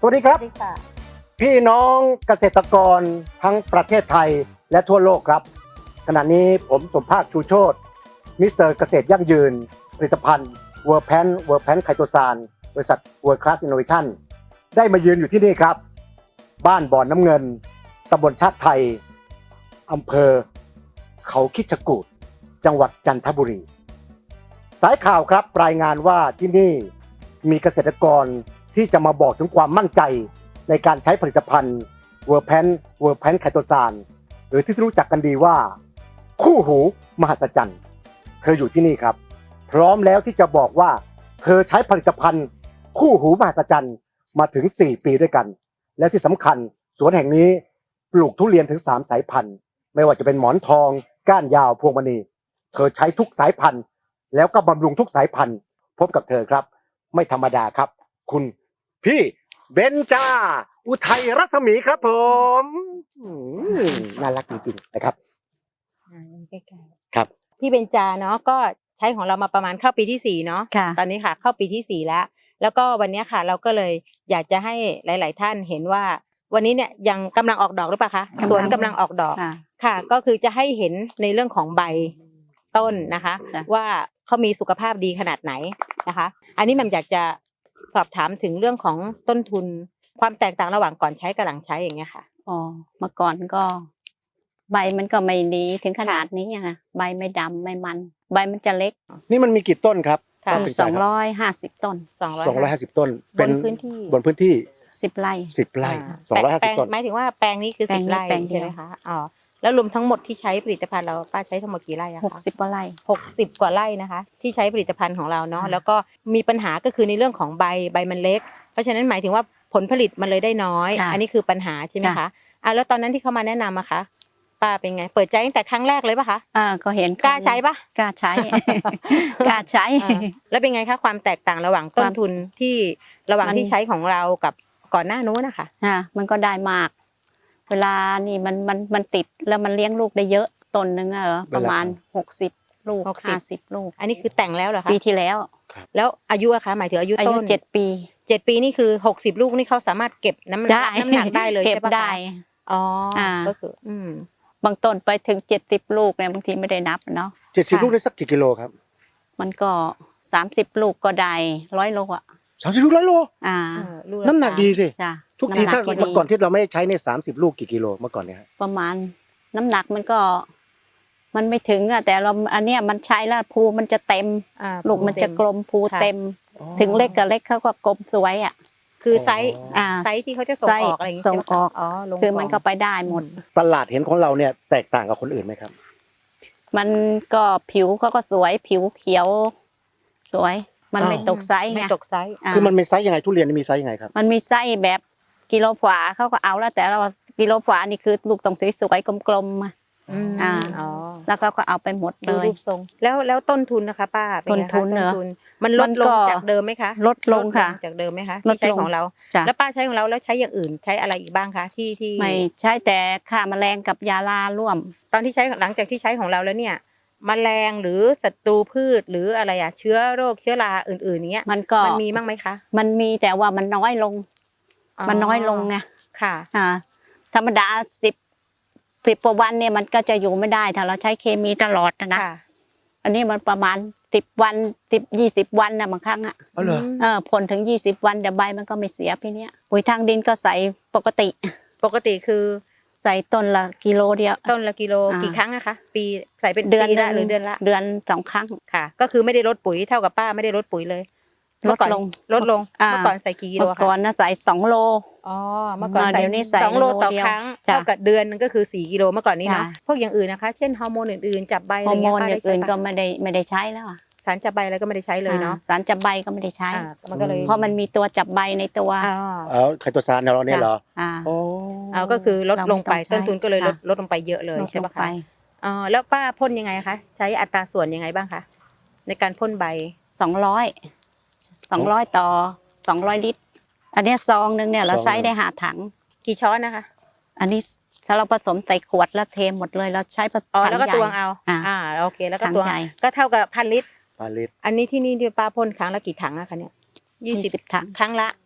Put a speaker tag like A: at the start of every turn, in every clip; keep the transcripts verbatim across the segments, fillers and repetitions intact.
A: สวัสดีครับพี่น้องเกษตรกรทั้งประเทศไทยและทั่วโลกครับขณะนี้ผมสมภาคชูโชติมิสเตอร์เกษตรยั่งยืนผลิตภัณฑ์เวอร์แพนเวอร์แพนไคโตซานบริษัทเวิร์คลาสอินโนเวชั่นได้มายืนอยู่ที่นี่ครับบ้านบ่อนน้ำเงินตำบลชาติไทยอำเภอเขาคิดจกูฏจังหวัดจันทบุรีสายข่าวครับรายงานว่าที่นี่มีเกษตรกรที่จะมาบอกถึงความมั่นใจในการใช้ผลิตภัณฑ์เวอร์แพนเวอร์แพนไคโตซานหรือที่รู้จักกันดีว่าคู่หูมหัศจรรย์เธออยู่ที่นี่ครับพร้อมแล้วที่จะบอกว่าเธอใช้ผลิตภัณฑ์คู่หูมหัศจรรย์มาถึงสี่ปีด้วยกันแล้วที่สำคัญสวนแห่งนี้ปลูกทุเรียนถึงสามสายพันธุ์ไม่ว่าจะเป็นหมอนทองก้านยาวพวงมณีเธอใช้ทุกสายพันธุ์แล้วก็บำรุงทุกสายพันธุ์พบกับเธอครับไม่ธรรมดาครับคุณพี่เบนจาอุทัยรัศมีครับผมน่ารักจริงๆนะครับ
B: ใกล้
A: ๆครับ
B: พี่เบนจาเนาะก็ใช้ของเรามาประมาณเข้าปีที่สี่เนาะตอนนี้ค่ะเข้าปีที่สี่แล้วแล้วก็วันนี้ค่ะเราก็เลยอยากจะให้หลาย ๆ ท่านเห็นว่าวันนี้เนี่ยยังกำลังออกดอกหรือเปล่าคะสวนกำลังออกดอกค่ะก็คือจะให้เห็นในเรื่องของใบต้นนะคะว่าเขามีสุขภาพดีขนาดไหนนะคะอันนี้แม่อยากจะสอบถามถึงเรื่องของต้นทุนความแตกต่างระหว่างก่อนใช้กับหลังใช้อย่างเงี้ยค่ะ
C: อ๋อเมื่อก่อนก็ใบมันก็ไม่ดีถึงขนาดนี้อ่ะใบไม่ดำไม่มันใบมันจะเล็ก
A: นี่มันมีกี่ต้นครับ
C: มีสองร้อยห้าสิบต้น
A: สองร้อยห้าสิบต้น
B: เป็นพื้นที่
A: บนพื้นที่
C: สิบไร่
A: สิบไร่สองร้อยห้าสิบต้น
B: หมายถึงว่าแปลงนี้คือสิบไร่ใช่ไหมคะอ๋อแล้วรวมทั้งหมดที่ใช้ผลิตภัณฑ์เราป้าใช้ทั้งหมดกี่ไร่อะคะ
C: หกสิบกว่าไร่
B: หกสิบกว่าไร่นะคะที่ใช้ผลิตภัณฑ์ของเราเนาะแล้วก็มีปัญหาก็คือในเรื่องของใบใบมันเล็กเพราะฉะนั้นหมายถึงว่าผลผลิตมันเลยได้น้อยอันนี้คือปัญหาใช่ไหมคะอ่ะแล้วตอนนั้นที่เขามาแนะนำอะคะป้าเป็นไงเปิดใจตั้งแต่ครั้งแรกเลยป่ะคะ
C: อ่าก็เห็น
B: กล้าใช้ป่ะ
C: กล้าใช้กล้าใช้
B: แล้วเป็นไงคะความแตกต่างระหว่างต้นทุนที่ระหว่างที่ใช้ของเรากับก่อนหน้านู้นนะคะ
C: อ่ามันก็ได้มากเวลานี่มันมันมันติดแล้วมันเลี้ยงลูกได้เยอะต้นนึงอะเหรอประมาณหกสิบลูกห้าสิบลูก
B: อันนี้คือแต่งแล้วเหรอคะ
C: ปีที่แล้ว
B: แล้วอายุอะคะหมายถึงอายุต้น
C: อายุเจ็ดปี
B: เจ็ดปีนี่คือหกสิบลูกนี่เขาสามารถเก็บน้ำหนักน้ำหนักได้เลยใช่ปะ
C: ได้
B: อ๋อก็คืออืม
C: บางต้นไปถึงเจ็ดสิบลูกเนี่ยบางทีไม่ได้นับเนาะ
A: เจ็ดสิบลูกได้สักกี่กิโลครับ
C: มันก็สามสิบลูกก็ได้ร้อยโลอ่ะ
A: สามสิบลูกร้อยโล
C: อ่า
A: น้ำหนักดีสิ
C: จ้ะ
A: ทุกทีถ้าเมื่อก่อนที่เราไม่ใช้ในสามสิบลูกกี่กิโลเมื่อก่อนเนี่ย
C: ประมาณน้ำหนักมันก็มันไม่ถึงอ่ะแต่เราอันเนี้ยมันใช้แล้วภูมันจะเต็มลูกมันจะกลมภูเต็มถึงเล็กกับเล็กเขาก็กลมสวยอ่ะ
B: คือไซส์ไซส์ที่เขาจะส่งออกอะไรอย่างเงี้ย
C: ส่งออก
B: อ๋อ
C: คือมันก็ไปได้หมด
A: ตลาดเห็นของเราเนี่ยแตกต่างกับคนอื่นไหมครับ
C: มันก็ผิวเขาก็สวยผิวเขียวสวยมันไม่ตกไซส์ไง
B: ไม่ตกไซส์
A: คือมันมีไซส์ยังไงทุเรียนมีไซส์ยังไงครับ
C: มันมีไซส์แบบกิโลฝาเขาก็เอาแล้วแต่เรากิโลฝานี่คือลูกต้องสวยๆกลมๆอ่าแล้วก็ก็เอาไปหมดเลย
B: รูปทรงแล้วแล้วต้นทุนนะคะป้า
C: ต้นทุนเนอะ
B: มันลดลงจากเดิมไหมคะ
C: ลดลงค่ะ
B: จากเดิมไหมคะที่ใช้ของเราแล้วป้าใช้ของเราแล้วใช้อย่างอื่นใช้อะไรอีกบ้างคะที่ที่
C: ไม่ใช้แต่ฆ่าแมลงกับยาลาร่วม
B: ตอนที่ใช้หลังจากที่ใช้ของเราแล้วเนี่ยแมลงหรือศัตรูพืชหรืออะไรอะเชื้อโรคเชื้อราอื่นๆเนี้ย
C: มันก็
B: มันมีบ้างไหมคะ
C: มันมีแต่ว่ามันน้อยลงมันน้อยลงไง
B: ค่ะ
C: อ่าธรรมดาสิบสิบกว่าวันเนี่ยมันก็จะอยู่ไม่ได้ถ้าเราใช้เคมีตลอดนะอันนี้มันประมาณสิบวันสิบยี่สิบวันนะบางครั้งอ่ะ
A: อ๋อเหรอ
C: เออผลถึงยี่สิบวันเดี๋ยวใบมันก็ไม่เสียพี่เนี้ยปุ๋ยทางดินก็ใส่ปกติ
B: ปกติคือ
C: ใส่ต้นละกิโลเดียว
B: ต้นละกิโลกี่ครั้งอะคะปีใส่เป็น
C: เดือน
B: ละหรือเดือนละ
C: เดือนสองครั้ง
B: ค่ะก็คือไม่ได้ลดปุ๋ยเท่ากับป้าไม่ได้ลดปุ๋ยเลย
C: ลดลง
B: ลดลงเมื่อก่อนใส่กี่กิโลคะ
C: เมื่อก่อนนะใส่สองโล
B: อ๋อเมื่อก่อนใส่สองโลต่อครั้งเท่ากับเดือนนึงก็คือสี่กิโลเมื่อก่อนนี้เนาะพวกอย่างอื่นนะคะเช่นฮอร์โมนอื่นๆจับใบอะไรเงี้ย
C: ฮอร์โมนอย่างอื่นก็ไม่ได้ไม่ได้ใช้แล้ว
B: สารจับใบอะไรก็ไม่ได้ใช้เลยเนาะ
C: สารจับใบก็ไม่ได้ใช้
B: มันก็เลย
C: เพราะมันมีตัวจับใบในตัว
A: อ๋อไคโตซานเราเนี่ยเหรอ
C: อ๋อ
B: เอาก็คือลดลงไปต้นทุนก็เลยลดลดลงไปเยอะเลยใช่ไหมคะอ๋อแล้วป้าพ่นยังไงคะใช้อัตราส่วนยังไงบ้างคะในการพ่นใบ
C: สองร้อยสองร้อยต่อสองร้อยลิตรอันนี้ซองนึงเนี่ยเราใช้ได้ห้าถัง
B: กี่ช้อนนะคะ
C: อันนี้ถ้าเราผสมใส่ขวดแล้วเทหมดเลยเราใช้ถังใหญ่
B: แล้วก็ตวงเอาอ่าโอเคแล้วก็ตวงก็เท่ากับพันลิตร
A: พันลิตร
B: อันนี้ที่นี่ที่ป้าพ่นครั้งละกี่ถังอะคะเนี่ย
C: ยี่สิบถัง
B: ครั้งละ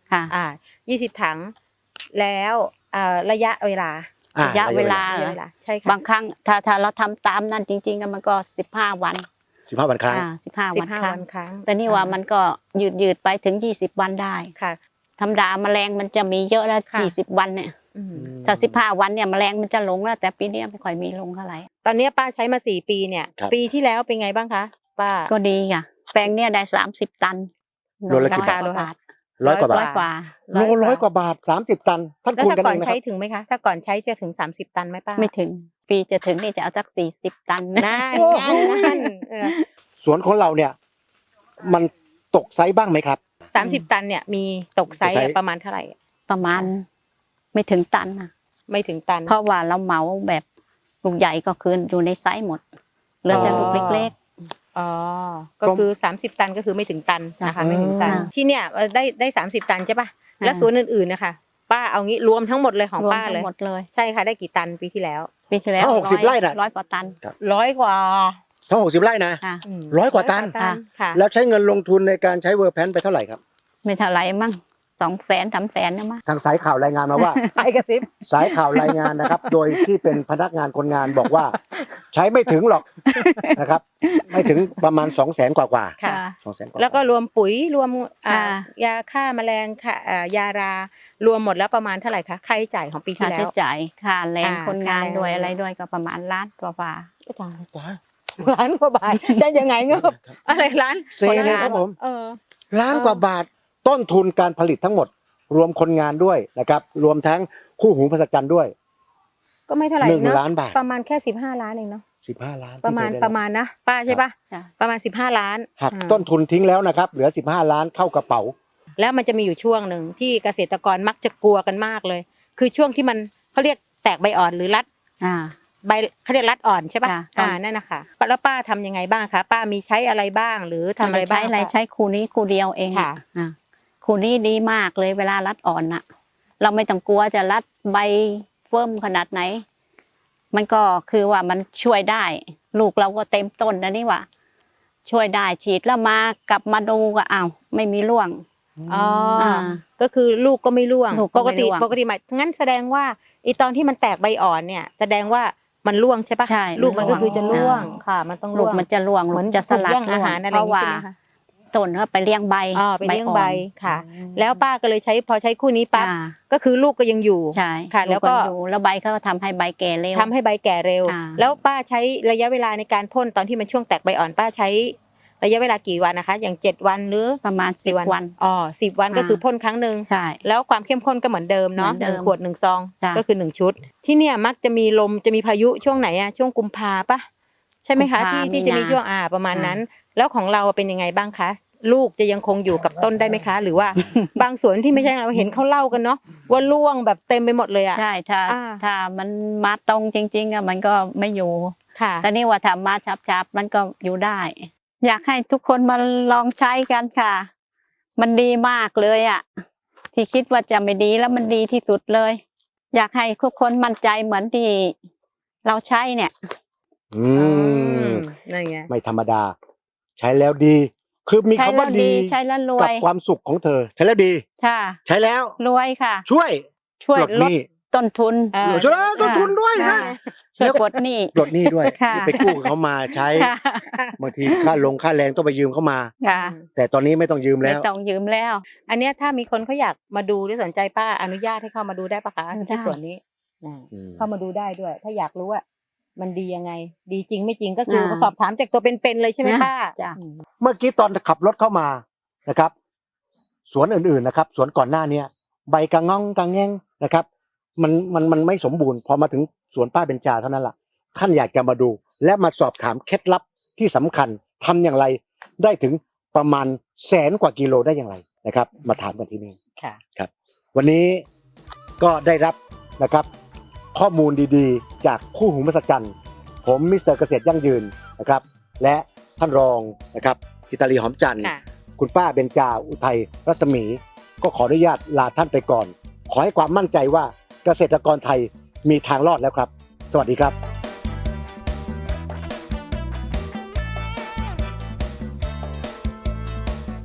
C: ค่ะ
B: อ่ายี่สิบถังแล้วเอ่อระยะเวลา
A: อ่
C: ระยะเวลา
B: ระยะเวลาใช่ค่ะ
C: บางครั้งถ้าถ้าเราทำตามนั่นจริงๆมันก็สิบห้าวัน
A: สิบห้าวันครั้ง
C: อ่าสิบห้า
B: สิ
C: วัน
B: บห้า
C: ครั้
B: วั
C: ง
B: นครั้ง
C: แต่นี่ว่ามันก็ยืดยืดไปถึงยี่สิบวันได้
B: ค่ะ
C: ธรรมดาแมลงมันจะมีเยอะแล้ว
B: ค่ะ
C: ยี่สิบวันเนี่ย
B: อืม
C: ถ้าสิบห้าวันเนี่ยแมลงมันจะลงแล้วแต่ปีนี้ไม่ค่อยมีลงเท่าไหร่
B: ตอนนี้ป้าใช้มาสี่ปีเนี่ย
A: ครับ
B: ปีที่แล้วเป็นไงบ้างคะป้า
C: ก็ดีค่ะแปลงเนี่ยได้สามสิบตัน
A: โลละกี่บาท
C: ร้อยกว่าบาท
A: ร้อยกว่า
C: ร้
A: บา
C: อย
A: ท
C: กว่า
A: โลร้อยกว่าบาทสามสิบตันท่าน
B: แล้ว
A: คูณ
B: ถ้า
A: กัน
B: ก่อ
A: เอน งนะค
B: ใช้
A: รับ
B: ถึงไหมคะถ้าก่อนใช้จะถึงสามสิบตันไหมป้า
C: ไม่ถึงปีจะถึงนี่จะเอาสักสี่สิบตัน
B: นั่นนั่นนั่นเออ
A: สวนของเราเนี่ยมันตกไซส์บ้างไหมครับ
B: สามสิบตันเนี่ยมีตกไซส์
A: ตกไซส์
B: ประมาณเท่าไหร่
C: ประมาณไม่ถึงตันนะ
B: ไม่ถึงตัน
C: เพราะว่าเราเหมาแบบลูกใหญ่ก็คืออยู่ในไซส์หมดเหลือแต่ลูกเล็ก
B: อ๋อก็คือสามสิบตันก็คือไม่ถึงตันนะคะไม่ถึงตัน
C: จ้ะ
B: ที่เนี่ยได้ได้สามสิบตันใช่ป่ะ
C: อ่า
B: แล้วสวนอื่นๆนะคะป้าเอางี้รวมทั้งหมดเลยของ
C: รวม
B: ป้า
C: ทั้
B: เลย
C: งหมดเลย
B: ใช่ค่ะได้กี่ตันปีที่แล้ว
C: ปีที่แล้ว
A: ถ้าหกสิบ
C: ร้อย
A: ไร่น่ะ
C: ร้อยกว่าตัน
B: ร้อยกว่า
A: ทั้งหกสิบไร่นะ
C: ค่ะ
B: ม
A: ร้อยกว่าตัน
B: ค่ะ
A: แล้วใช้เงินลงทุนในการใช้เวอร์แพนไปเท่าไหร่ครับ
C: ไม่เท่าไหรมั่งสองแสนสามแสนนะมั้ง
A: ทางสายข่าวรายงานมาว่า
B: ไปกระซิบ
A: สายข่าวรายงานนะครับ โดยที่เป็นพนักงานคนงานบอกว่า ใช้ไม่ถึงหรอกนะครับ ไม่ถึงประมาณสองแสนกว่ากว่า
B: ค่ะ
A: สองแสนกว่า
B: แล้วก็รวมปุ๋ยรวมอ่า
C: อ่า
B: ยาฆ่าแมลงค่ะอ่ายารารวมหมดแล้วประมาณเท่าไหร่คะค่าใช้จ่ายของปีที่
C: ค่า
B: แล้
C: ใช้
B: ว
C: จ่ายค่าแรง
B: อ่า
C: คนงาน
B: ค่าแรง
C: ด้วยอะไรด้วยก็ประมาณล้านกว่าบาท
B: ล้านกว่าบาทจะยังไงเงบอะไรล้าน
A: เซเลยครับผม
B: เออ
A: ล้านกว่าบาทต้นทุนการผลิตทั้งหมด รวมคนงานด้วยนะครับ รวมทั้งคู่หูภาษาจันทร์ด้วย
B: ก็ไม่เท่าไหร่
A: หนึ่ง
B: เนอะ
A: ล้านบาท
B: ประมาณแค่สิบห้าล้านเองเนาะ
A: สิบห้าล้าน
B: ประมาณ
A: ที่เคยได้
B: ประมาณนะป้าใช่ปะ
C: จ้ะ
B: ประมาณสิบห้าล้าน
A: หัก
B: อ่า
A: ต้นทุนทิ้งแล้วนะครับ เหลือสิบห้าล้านเข้ากระเป๋า
B: แล้วมันจะมีอยู่ช่วงหนึ่งที่เกษตรกรมักจะกลัวกันมากเลย คือช่วงที่มันเขาเรียกแตกใบอ่อนหรือรัด
C: อ่า
B: ใบเขาเรียกรัดอ่อนใช่ปะ
C: จ้ะ
B: อ่านั่นนะคะแล้วป้าทำยังไงบ้างคะป้ามีใช้อะไรบ้างหรือทำอะไรบ้าง
C: ใช้อะไร
B: คะ
C: ใช้คู่นี้คู่เดียวเอง
B: ค่ะ
C: อ่าคู่นี้ดีมากเลยเวลารัดอ่อนน่ะ เราไม่ต้องกลัวจะรัดใบเฟิ่มขนาดไหน มันก็คือว่ามันช่วยได้ ลูกเราก็เต็มต้นนะนี่ว่า ช่วยได้ฉีดแล้วมากลับมาดูก็อ้าวไม่มีร่วง
B: อ๋ออ
C: อ่า
B: ก็คือลูกก็ไม่ร่วง
C: ลูกก็
B: ปก
C: ไม่
B: ติ
C: ร่วง
B: ปกติหมายงั้นแสดงว่าไอตอนที่มันแตกใบอ่อนเนี่ย แสดงว่ามันร่วงใช่ปะ
C: ใช่
B: ลูกมันก็คือจะร่วง
C: อ่า
B: ค่ะ มันต้อง
C: ลู
B: ร่
C: ก
B: วง
C: มันจะร่วง
B: เหมือน
C: ลูกจะสลัด
B: ถูกแย่งอา
C: ร่วง
B: หารอะไร
C: เพ
B: อย่าง
C: ราะ
B: งี้
C: ว่า
B: ใช่ไหมคะ
C: ต้นก็ไปเลี้ยงใบ
B: อ๋อไปเลี้ยงใบ
C: อ่อน
B: ค่ะ แล้วป้าก็เลยใช้พอใช้คู่นี้ปั๊บ
C: อ่า
B: ก็คือลูกก็ยังอยู่
C: ใช่
B: ค่ะแล้วก็
C: ลูอยู่แล้วใบเขาก็ทำให้ใบแก่เร็ว
B: ทำให้ใบแก่เร็ว
C: อ่า
B: แล้วป้าใช้ระยะเวลาในการพ่นตอนที่มันช่วงแตกใบอ่อน ป้าใช้ระยะเวลากี่วันนะคะ อย่างเจ็ดวันหรือ
C: ประมาณสิบวัน
B: อ๋อสิบวันก็
C: อ่า
B: คือพ่นครั้งหนึ่ง
C: ใช่
B: แล้วความเข้มข้นก็เหมือนเดิมเนาะ
C: เหมือน
B: ห
C: เดิ
B: นึ่
C: ม
B: งขวดหนึ่งซอง
C: จ้ะ
B: ก็คือหนึ่งชุด ที่เนี่ยมักจะมีลมจะมีพายุช่วงไหนอะช่วงกุมภาปะใช่ไหมคะ
C: กุมภา
B: ที่ที่จะมี
C: มีนา
B: ช่วงอ่าประมาณ
C: อ่า
B: นั้น แล้วของเราเป็นยังไงบ้างคะ ลูกจะยังคงอยู่กับต้นได้ไหมคะ หรือว่า บางสวนที่ไม่ใช่เราเห็นเขาเล่ากันเนาะว่าร่วงแบบเต็มไปหมดเลยอะ
C: ใช่ถ้า
B: อ่า
C: ถ้ามันมาตรงจริงๆอะมันก็ไม่อยู่
B: ค่ะ
C: แต่นี่ว่าถ้ามาชับๆมันก็อยู่ได้ อยากให้ทุกคนมาลองใช้กันค่ะ มันดีมากเลยอ่ะ ที่คิดว่าจะไม่ดีแล้วมันดีที่สุดเลย อยากให้ทุกคนมั่นใจเหมือนที่เราใช้เนี่ย
A: อืม
B: นั่นไง
A: ไม่ธรรมดา ใช้แล้วดี คือมี
C: ใช้
A: คำ
C: แล้
A: ว่าว ดี
C: ดีใช้แล้วรว
A: กับ
C: ย
A: ความสุขของเธอ ใช้แล้วดี
C: ค่ะ
A: ใช้แล้ว
C: รวยค่ะ
A: ช่วย
C: ช่วย
A: ปลด
C: ล
A: ห
C: ด
A: นี้
C: ต้นทุน
B: เออ
A: ช่วยลดต้นทุนด้วยนะ
C: ค่ะช่วยปลดหนี้
A: ปลดหนี้ด้วย
C: ค่ะ
A: ที่ไปกู้เขามาใช้
C: ค่ะ
A: บางทีค่าลงค่าแรงต้องไปยืมเขามา
C: ค่ะ
A: แต่ตอนนี้ไม่ต้องยืม
C: ไม่
A: แล้ว
C: ต้องยืมแล้ว
B: อันเนี้ยถ้ามีคนเขาอยากมาดูหรือสนใจป้าอนุญาตให้เข้ามาดูได้ปะคะ
C: ได้
B: ที่สวนนี้อ่า
A: อืม
B: เข้ามาดูได้ด้วย ถ้าอยากรู้ว่ามันดียังไง ดีจริงไม่จริงก็คือ
C: อ่า
B: สอบถามจากตัวเป็นๆเลยใช่ไหม
C: นะ
B: ป้า
C: จ้ะ
B: อืม
A: เมื่อกี้ตอนขับรถเข้ามานะครับ สวนอื่นๆนะครับ สวนก่อนหน้าเนี้ยใบกระง่องกระแง่งนะครับ มันมันมันไม่สมบูรณ์พอมาถึงสวนป้าเบญจาเท่านั้นล่ะท่านอยากจะมาดู และมาสอบถามเคล็ดลับที่สำคัญทำอย่างไรได้ถึงประมาณแสนกว่ากิโลได้อย่างไรนะครับ มาถามกันที่นี่
B: ค่ะ
A: ครับวันนี้ก็ได้รับนะครับข้อมูลดีๆ จากคู่หูมหัศจรรย์ผมมิสเตอร์เกษตรยั่งยืนนะครับ และท่านรองนะครับกิตาลีหอมจันทร์
B: ค่ะ
A: คุณป้าเบญจาอุทัยรัศมี ก็ขออนุญาตลาท่านไปก่อน ขอให้ความมั่นใจว่าเกษตรกรไทยมีทางรอดแล้วครับ สวัสดีครับ